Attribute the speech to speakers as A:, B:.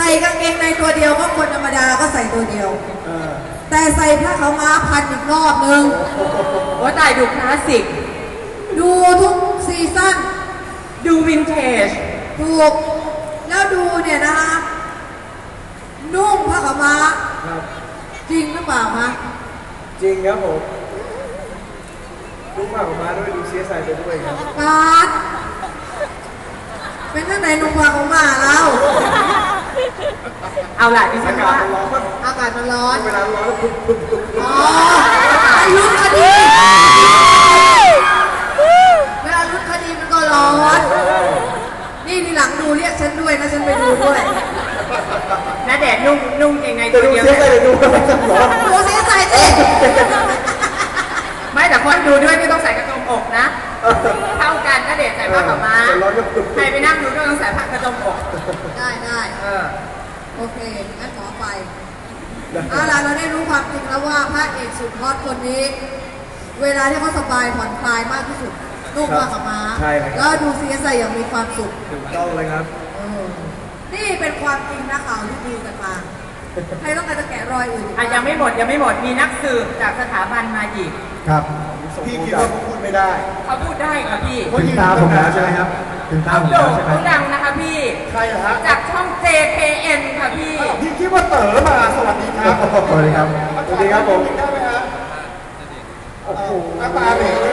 A: กางเกงในตัวเดียวก็คนธรรมดาก็ใส่ตัวเดียวแต่ใส่ผ้าขาวม้าพันอีกรอบนึง
B: ว่าตายดูคลาสสิก
A: ดูทุกซีซั่น
B: ดูวินเทจ
A: ถูกแล้วดูเนี่ยนะคะนุ่งผ้าขาวม้าจริงหรือเปล่าคะ
C: จริงครับผมนุ่งผ้าขาวม้าด้วยดูเสียใส่ไปด้วยครับ
A: ปาดเป็นท่านไหนนุ่งผ้าขาวม้าเรา
B: เอาล่ะดิฉันว่า
A: อากาศมันร้อน
C: เวลาร้อนปุ๊บ
A: อ๋อลุ้นคดีเวลาลุ้นคดีมันก็ร้อนนี่ทีหลังดูเรียกฉันด้วยนะฉันไปดูด้วย
B: น้าแดดนุ่งยังไงตัวเดียว
A: ดูเสียใจสิ
B: ไม่แต่คนดูด้วยไม่ต้องใส่กระจมอกนะเท่ากันน้าแดดใส่ผ้าขาวม้าใครไปนั่งดูก็ต้องใส่ผ้ากระจมอก
A: ได้โอเคงั้นขอไปเอาล่ะเราได้รู้ความจริงแล้วว่าพระเอกสุดฮอตคนนี้เวลาที่เขาสบายผ่อนคลายมากที่สุดนุ่งผ้าขาวม้าแล้วดูซีใส่อย่างมีความสุข
C: ถูกต้องเลยครับ
A: นี่เป็นความจริงนะข่าวที่ดูกันมาใครต้องการจะแกะรอยอื่น
B: ยังไม่หมดมีนักสืบจากสถาบันมาอีก
C: ครับพี่คิดว่าเขาพูดไม่ได้
B: เขาพูดได้ค่ะพี่
C: ถึงตาผมแล้วใช่ไหมครับถึงตาผมแล้วใช่ไหม
B: เขาดังนะคะพี่
C: ใครฮะ
B: จากช่อง JKN ค่ะพี่
C: คิดว่าเต๋อมาสวัสดีครับสวัสดีครับผมได้ไหมฮะโอ้โหหน้าตาเด็ก